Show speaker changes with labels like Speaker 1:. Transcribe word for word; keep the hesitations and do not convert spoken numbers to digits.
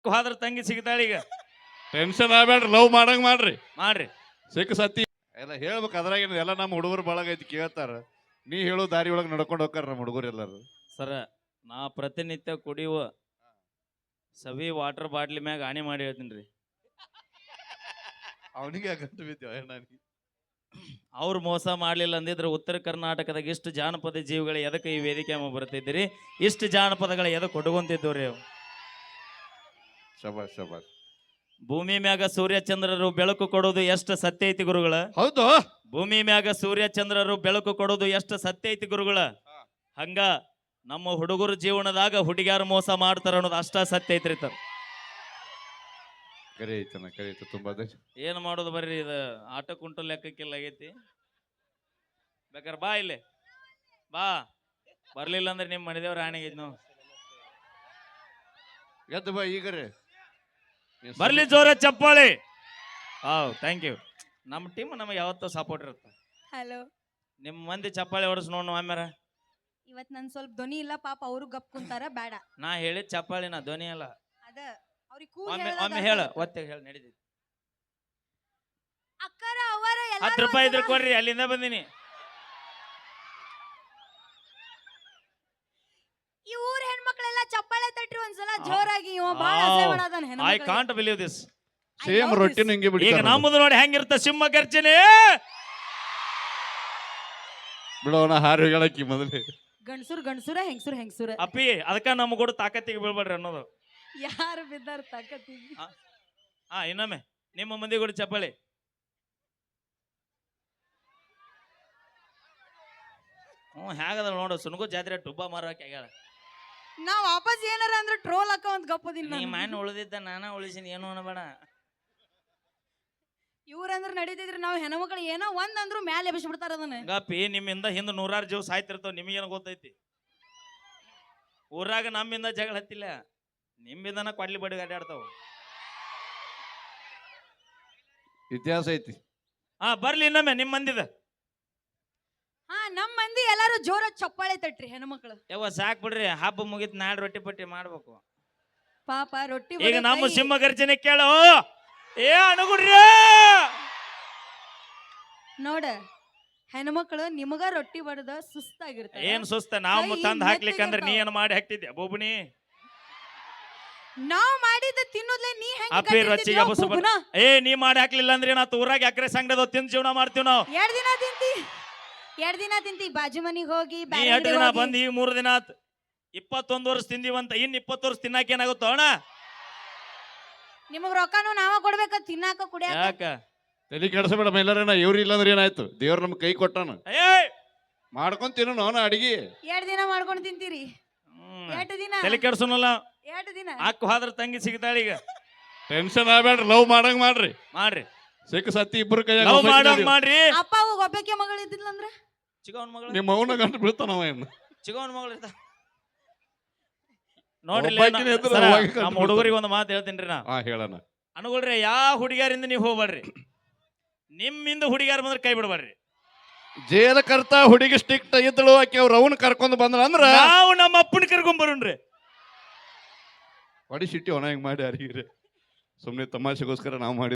Speaker 1: ಹೋದ್ರ ತಂಗಿ ಸಿಗ್ತಾಳ ಈಗ.
Speaker 2: ಟೆನ್ಷನ್ ಆಗ್ಬೇಡ್ರಿ, ಲವ್ ಮಾಡಂಗ್ ಮಾಡ್ರಿ.
Speaker 1: ಮಾಡ್ರಿ
Speaker 2: ಸಿಕ್ಕ ಸತಿ ಎಲ್ಲ ಹೇಳ್ಬೇಕು. ಅದ್ರಾಗ ಎಲ್ಲ ನಮ್ಮ ಹುಡುಗರು ಬಳಗ ಐತಿ ಕೇಳ್ತಾರ. ನೀ ಹೇಳೋ ದಾರಿ ಒಳಗೆ ನಡ್ಕೊಂಡು ಹೋಗ್ತಾರ ನಮ್ಮ ಹುಡುಗರು ಎಲ್ಲಾರು.
Speaker 1: ಸರ, ನಾ ಪ್ರತಿನಿತ್ಯ ಕುಡಿಯುವ ಸವಿ ವಾಟರ್ ಬಾಟ್ಲಿ ಮ್ಯಾಗ ಹಾನಿ ಮಾಡಿ ಹೇಳ್ತೀನಿ ರೀ.
Speaker 2: ಅವನಿಗೆ ಗಂಟು ಬಿದ್ದೇವ.
Speaker 1: ಅವ್ರು ಮೋಸ ಮಾಡ್ಲಿಲ್ಲ ಅಂದಿದ್ರೆ ಉತ್ತರ ಕರ್ನಾಟಕದಾಗ ಇಷ್ಟು ಜಾನಪದ ಜೀವಿಗಳು ಎದಕ್ಕೆ ಈ ವೇದಿಕೆ ಬರ್ತಿದ್ದೀರಿ, ಇಷ್ಟು ಜಾನಪದಗಳ ಎದಕ್ಕೆ ಕೊಟ್ಕೊಂತಿದ್ದವ್ರಿ.
Speaker 2: ಶಬಾಷ್ ಶಬಾಷ್.
Speaker 1: ಭೂಮಿ ಮ್ಯಾಗ ಸೂರ್ಯ ಚಂದ್ರರು ಬೆಳಕು ಕೊಡೋದು ಎಷ್ಟು ಸತ್ಯ ಐತಿ ಗುರುಗಳ.
Speaker 2: ಹೌದು,
Speaker 1: ಭೂಮಿ ಮ್ಯಾಗ ಸೂರ್ಯ ಚಂದ್ರರು ಬೆಳಕು ಕೊಡೋದು ಎಷ್ಟು ಸತ್ಯ ಐತಿ ಗುರುಗಳ. ಹಂಗ ನಮ್ಮ ಹುಡುಗರು ಜೀವನದಾಗ ಹುಡುಗ್ಯಾರು ಮೋಸ ಮಾಡ್ತಾರ ಅನ್ನೋದು ಅಷ್ಟ ಸತ್ಯ ಐತ್ರಿ. ತ
Speaker 2: ಕರಿ ಐತನ ಕರಿ ಐತ ತುಂಬಾ.
Speaker 1: ಏನ್ ಮಾಡೋದು ಬರ್ರಿ, ಇದು ಆಟ ಕುಂಟು ಲೆಕ್ಕಕ್ಕಿಲ್ಲ ಆಗೈತಿ. ಬೇಕಾರೆ ಬಾ ಇಲ್ಲಿ ಬಾ, ಬರ್ಲಿಲ್ಲ ಅಂದ್ರೆ ನಿಮ್ ಮನೆದೇವ್ರ ಆಣೆಗೈತಿ ನಾವು.
Speaker 2: ಎದ್ದು ಬಾ ಈಗ ರೀ,
Speaker 1: ಬರ್ಲಿ ಜೋರ ಚಪ್ಪಾಳಿ. ಹೌದು, ಥ್ಯಾಂಕ್ ಯು. ನಮ್ಮ ಟೀಮ್ ನಮಗೆ ಯಾವತ್ತೂ ಸಪೋರ್ಟ್ ಇರುತ್ತೆ.
Speaker 3: ಹಲೋ,
Speaker 1: ನಿಮ್ಮ ಮಂದಿ ಚಪ್ಪಾಳಿ ಹೊಡಸ್ ನೋಡ್ ಆಮ್ಯಾರ.
Speaker 3: ಇವತ್ ನನ್ ಸ್ವಲ್ಪ ಧ್ವನಿ ಇಲ್ಲ ಪಾಪ, ಅವರು ಗಪ್ ಕುಂತಾರ. ಬೇಡ,
Speaker 1: ನಾ ಹೇಳಿದ ಚಪ್ಪಾಳಿ, ನಾ ಧ್ವನಿ ಅಲ್ಲ.
Speaker 3: ಅದ ಅವ್ರಿಗೆ ಕೂಲ್
Speaker 1: ಒಮ್ಮೆ
Speaker 3: ಹೇಳ್ದಾಗ
Speaker 1: ಒಮ್ಮೆ ಹೇಳ, ಒತ್ತೆ ಹೇಳ ನಡೀತೈತಿ.
Speaker 3: ಅಕ್ಕರ ಅವರ
Speaker 1: ಹತ್ತು ರೂಪಾಯಿ ಇದ್ರೆ ಕೊಡ್ರಿ, ಅಲ್ಲಿಂದ ಬಂದಿನಿ.
Speaker 3: ಈ ಊರ್ ಹೆಣ್ಮಕ್ಳೆಲ್ಲ ಚಪ್ಪಾಳೆ ತಟ್ರಿ ಒಂದ್ಸಲ ಜೋರಾಗಿ. ಇವ ಬಾಳ ಅಸಹ್ಯ ಮಾಡಾದನ್
Speaker 1: ಐ
Speaker 3: ಹೆಣ್ಮಕ್ಳಿಗೆ.
Speaker 1: Can't believe this.
Speaker 2: ಸೇಮ್ ರೊಟ್ಟಿನ ಹಿಂಗೆ
Speaker 1: ಈಗ
Speaker 2: ಬಿಡ್ತಾರ
Speaker 1: ನಮ್ಮದು ನೋಡಿ ಹೆಂಗಿರ್ತ ಸಿಂಹ ಗರ್ಜನೆ.
Speaker 2: ಬಿಡೋಣ. ಹಾರು ಹೇಳಕ್ಕಿ ಮೊದಲೇ
Speaker 3: ಗಂಡ್ಸುರ್ ಗಂಡ್ಸುರ, ಹೆಂಗ್ಸುರ್ ಹೆಂಗ್ಸುರ.
Speaker 1: ಅಪ್ಪಿ ಅದಕ್ಕ ನಮ್ಮ ಕೂಡ ತಾಕತ್ತಿಗೆ ಬೀಳ್ಬೇಡ್ರಿ ಅನ್ನೋದು.
Speaker 3: ಯಾರು ಬಿದ್ದಾರ ತಾಕತ್ತಿಗೆ.
Speaker 1: ಹಾ, ಇನ್ನೊಮ್ಮೆ ನಿಮ್ಮ ಮಂದಿ ಕೂಡ ಚಪ್ಪಾಳಿ. ಹ್ಞೂ ಹೇಗದ ನೋಡು, ಸುನಗು ಜಾತ್ರೆ ಟುಬ್ಬ ಮಾರಕ್ಕೆ ಆಗ್ಯಾಳ.
Speaker 3: ನಾ ವಾಪಸ್ ಏನಾರ ಅಂದ್ರೆ ಟ್ರೋಲ್ ಹಾಕ ಒಂದ್ ಗಪ್ಪದಿನ.
Speaker 1: ನೀ ಮಣ್ಣು ಉಳಿದಿದ್ದ ನಾನ ಉಳಿಸಿನ, ಏನು ಅನ್ನಬೇಡ.
Speaker 3: ಇವ್ರಂದ್ರ ನಡೀತಿದ್ರಿ, ನಾವ್ ಹೆಣ್ಮಕ್ಳು ಏನೋ ಒಂದ್ ಅಂದ್ರು ಮ್ಯಾಲೆ ಎಬ್ಬಿಸಿ ಬಿಡ್ತಾರ ಅದನ್ನ.
Speaker 1: ಗಪ್ಪಿ, ನಿಮ್ಮಿಂದ ಹಿಂದ ನೂರಾರು ಜೀವ ಸಾಯ್ತಿರ್ತಾವ, ನಿಮಗೇನು ಗೊತ್ತೈತಿ. ಊರಾಗ ನಮ್ಮಿಂದ ಜಗಳ ಹತ್ತಿಲ್ಲ, ನಿಮ್ಮಿಂದನ ಕೊಡ್ಲಿ ಬಡಿ ಅಡ್ಡಾಡ್ತಾವ.
Speaker 2: ಇತಿಹಾಸ ಐತಿ.
Speaker 1: ಹಾ, ಬರ್ಲಿ ಇನ್ನೊಮ್ಮೆ ನಿಮ್ಮ ಮಂದಿದ.
Speaker 3: ಹಾ, ನಮ್ ಮಂದಿ ಎಲ್ಲಾರು ಜೋರ ಚಪ್ಪಾಳೆ ತಟ್ರಿ ಹೆಣ್ಮಕ್ಳು.
Speaker 1: ಯಾವ ಸಾಕ್ ಬಿಡ್ರಿ, ಹಬ್ಬ ಮುಗಿತ್ ನಾಡ್ ರೊಟ್ಟಿ ಪಟ್ಟಿ ಮಾಡ್ಬೇಕು.
Speaker 3: ಪಾಪ ರೊಟ್ಟಿ
Speaker 1: ಈಗ
Speaker 3: ಬಡಿಯೋ
Speaker 1: ನಮ್ಮ
Speaker 3: ಕೈ.
Speaker 1: ಸಿಂಹ ಗರ್ಜನೆ ಕೇಳು. ಏ ಅಣಗುಡ್ರಿ,
Speaker 3: ನೋಡ ಹೆಣ್ಮಕ್ಳು ನಿಮಗ ರೊಟ್ಟಿ ಬಡದ ಸುಸ್ತಾಗಿರ್ತಾರ.
Speaker 1: ಏನ್ ಸುಸ್ತ, ನಾವು
Speaker 3: ಕೈ
Speaker 1: ತಂದ್ ಹಾಕ್ಲಿಕ್ಕಂದ್ರ ನೀ
Speaker 3: ಮೆತ್ತಗಿರ್ತಾವ.
Speaker 1: ಏನ್ ಮಾಡಿ ಹಾಕ್ತಿದ್ದೆ ಬೋಬುನಿ.
Speaker 3: ನಾವ್ ಮಾಡಿದ ತಿನ್ನೋದ್ಲೆ ನೀ ಹೆಂಗ್
Speaker 1: ಅಪ್ಪಿ ರೊಚ್ಚಿಗೆ ಬಸ್ ಏ ನೀ ಮಾಡಿ ಹಾಕ್ಲಿಲ್ಲ ಅಂದ್ರೆ ನಾ ಊರಾಗ ಎಕರೆ ಸಂಗಡದ ತಿಂದ್ ಜೀವನ ಮಾಡ್ತೀವಿ ನಾವು.
Speaker 3: ಎರಡ್ ದಿನ ತಿಂತಿ ಎರಡ್ ದಿನ ತಿಂತಿ ಬಾಜು ಮನಿಗ್ ಹೋಗಿ
Speaker 1: ನೀ
Speaker 3: ಬ್ಯಾರೆ
Speaker 1: ಎರಡು ದಿನ
Speaker 3: ಅಂಗ್ಡಿಗ್ ಹೋಗಿ.
Speaker 1: ಬಂದ್ ಈಗ ಮೂರು ದಿನ ಆತ್. ಇಪ್ಪತ್ತೊಂದು ವರ್ಷ ತಿಂದಿವಂತ, ಇನ್ ಇಪ್ಪತ್ತು ವರ್ಷ ತಿನ್ನಾಕ ಏನಾಗುತ್ತೋ ಅಣ್ಣ.
Speaker 3: ನಿಮಗ್ ರೊಕ್ಕನು ನಾವ ಕೊಡ್ಬೇಕ ತಿನ್ನಾಕ ಕುಡಿಯಾಕ.
Speaker 1: ಯಾಕ
Speaker 2: ತಲೆ ಕೆಡಿಸಬೇಡ ಮೈಲಾರೇನ. ಇವ್ರು ಇಲ್ಲಾಂದ್ರೆ ಏನಾಯ್ತು, ದೇವ್ರ ನಮ್ ಕೈ ಕೊಟ್ಟಾನ.
Speaker 1: ಏ
Speaker 2: ಮಾಡ್ಕೊಂಡ್ ತಿನ್ನು ನೋನ ಅಡಿಗೆ.
Speaker 3: ಎರಡ್ ದಿನ ಮಾಡ್ಕೊಂಡ್ ತಿಂತೀರಿ.
Speaker 1: ಹ್ಮ್.
Speaker 3: ಎರಡು ದಿನ
Speaker 1: ತಲೆ ಕೆಡ್ಸೋನಲ್ಲ.
Speaker 3: ಎರಡು ದಿನ
Speaker 1: ಅಕ್ಕ ಹೋದ್ರ ತಂಗಿ ಸಿಗ್ತಾಳ ಈಗ.
Speaker 2: ಟೆನ್ಷನ್ ಆಗ್ಬೇಡ್ರಿ, ಲವ್ ಮಾಡಂಗ್ ಮಾಡ್ರಿ.
Speaker 1: ಮಾಡ್ರಿ,
Speaker 2: ಸಿಕ್ಕ ಸತಿ ಇಬ್ರು ಕೈ
Speaker 1: ಲವ್ ಮಾಡೋಂಗ್ ಮಾಡ್ರಿ.
Speaker 3: ಅಪ್ಪ ಅವಾಗ ಒಬ್ಬಕ್ಕೆ ಮಗಳು ಇದ್ದಿಲ್ಲ ಅಂದ್ರ
Speaker 1: ಚಿಗವನ್ ಮಗಳು,
Speaker 2: ನಿಮ್ಮ ಅವನ ಗಂಟು ಬೀಳ್ತಾನವ ಏನು.
Speaker 1: ಚಿಗವನ್ ಮಗಳು ಇರ್ತ ನೋಡ್ರಿ.
Speaker 2: ಒಬ್ಬಾಕಿನೇ ಇದ್ರೆ
Speaker 1: ಸರ,
Speaker 2: ಅವಾಗ ಕಂಡು
Speaker 1: ನಮ್ಮ ಹುಡುಗರಿಗೆ ಒಂದು ಮಾತು ಹೇಳ್ತೀನಿ ನಾ.
Speaker 2: ಹಾ ಹೇಳಣ.
Speaker 1: ಅನುಗುಳ್ರಿ, ಯಾವ ಹುಡುಗಿಯರಿಂದ ನೀವು ಹೋಗ್ಬೇಡ್ರಿ. ನಿಮ್ಮಿಂದ ಹುಡುಗಿಯಾರ ಬಂದ್ರೆ ಕೈ ಬಿಡಬೇಡ್ರಿ.
Speaker 2: ಜೇಲ ಕರ್ತ ಹುಡುಗಿ ಸ್ಟಿಕ್ಟ್ ಇದ್ದಳು, ಆಕೆ ಅವ್ರ ಅವನ್ ಕರ್ಕೊಂಡ್ ಬಂದ್ರ ಅಂದ್ರ
Speaker 1: ನಾವು ನಮ್ಮ ಅಪ್ಪನ ಕರ್ಕೊಂಡ್ ಬರೋಣ್ರಿ.
Speaker 2: ಹೊಡಿ ಸಿಟ್ಟಿ ಒಣ ಹಿಂಗ್ ಮಾಡಿ ಅರಿಗಿರಿ. ಸುಮ್ನೆ ತಮಾಷೆಗೋಸ್ಕರ ನಾವು ಮಾಡಿ